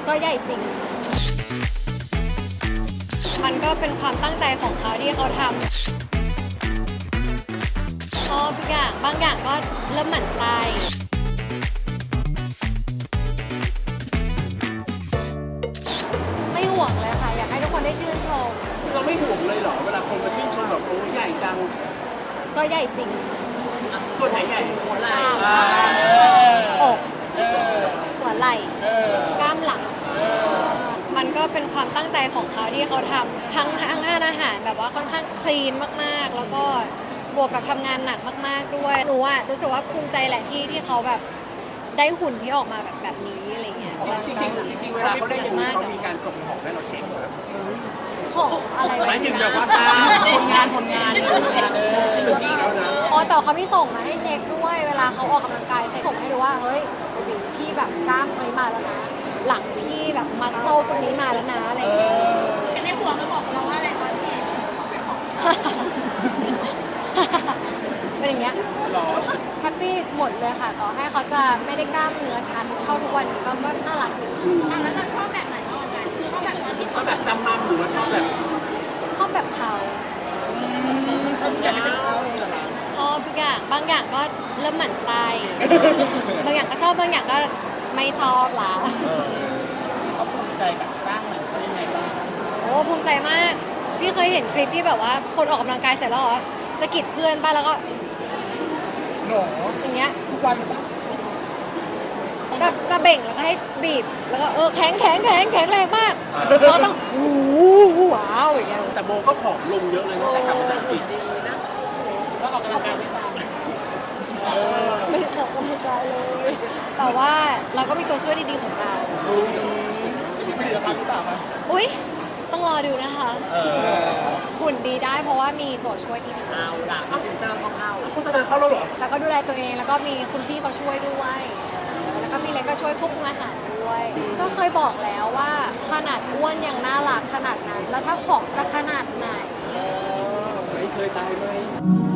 ก็ใหญ่จริงมันก็เป็นความตั้งใจของเขาที่เขาทำชอบทุกอย่างบางอย่างก็เริ่มหมั่นไส้ไม่ห่วงเลยค่ะอยากให้ทุกคนได้ชื่นชมเราไม่ห่วงเลยเหรอเวลาคนมาชื่นชมแบบโอ้ใหญ่จังก็ใหญ่จริงส่วนไหนใหญ่หัวไหล่อกหัวไหล่กล้ามหลังมันก็เป็นความตั้งใจของเขาที่เขาทำทั้งอาหารแบบว่าค่อนข้างคลีนมากๆแล้วก็บวกกับทำงานหนักมากๆด้วยหนูอะรู้สึกว่าภูมิใจแหละที่เขาแบบได้หุ่นที่ออกมาแบบนี้อะไรเงี้ยจริงเวลาเขาเล่นอย่างนี้เขามีการส่งของให้เราเช็คไหมของอะไรหมายถึงแบบว่าผลงานที่เหลืออีกแล้วนะอ๋อแต่เขาไม่ส่งมาให้เช็คด้วยเวลาเขาออกกำลังกายส่งให้ดูว่าเฮ้ยพี่แบบกล้ามตรงนี้มาแล้วนะหลังพี่แบบมัสโซตรงนี้มาแล้วนะอะไรอย่างเงี้ยในหัวเขาบอกเราว่าอะไรตอนที่เป็นอย่างเงี้ยแฮปปี้หมดเลยค่ะต่อให้เขาจะไม่ได้กล้ามเนื้อชัดเท่าทุกวันนี้ก็น่ารักอยู่แล้วเราชอบแบบไหนมากกว่ากันชอบแบบตอนที่เขาแบบจำมั่มหรือว่าชอบแบบเขาชอบทุกอย่างเป็นเขาเหรอคะชอบทุกอย่างบางอย่างก็เริ่มหมั่นไส้บางอย่างก็ชอบบางอย่างก็ไม่ชอบละเขาภูมิใจกับร่างมันเขายังไงบ้างโอ้ภูมิใจมากพี่เคยเห็นคลิปที่แบบว่าคนออกกำลังกายเสร็จแล้วเหรอสะกิดเพื่อนป่ะแล้วก็หนออย่างเงี้ยทุกวันหรือเปล่าจะเบ่งแล้วก็ให้บีบแล้วก็แข็งแรงมากเราต้องว้าวอย่างเงี้ยแต่โบก็ผอมลงเยอะเลยตั้งแต่กลับมาจากอังกฤษดีนะก็ออกกำลังกายไม่ตามไม่ได้ออกกำลังกายเลยแต่ว่าเราก็มีตัวช่วยดีๆของเราจะมีผลิตภัณฑ์หรือเปล่าคะอุ๊ยต้องรอดูนะคะหุ่นดีได้เพราะว่ามีตัวช่วยที่ดีเอาล่ะพรีเซนเตอร์เข้าโฆษณาเข้าแล้วเหรอแล้วก็ดูแลตัวเองแล้วก็มีคุณพี่เขาช่วยด้วยแล้วก็มีเล็กก็ช่วยควบคุมอาหารด้วยก็เคยบอกแล้วว่าขนาดอ้วนยังน่ารักขนาดนั้นแล้วถ้าผอมจะขนาดไหนไม่เคยตายไหม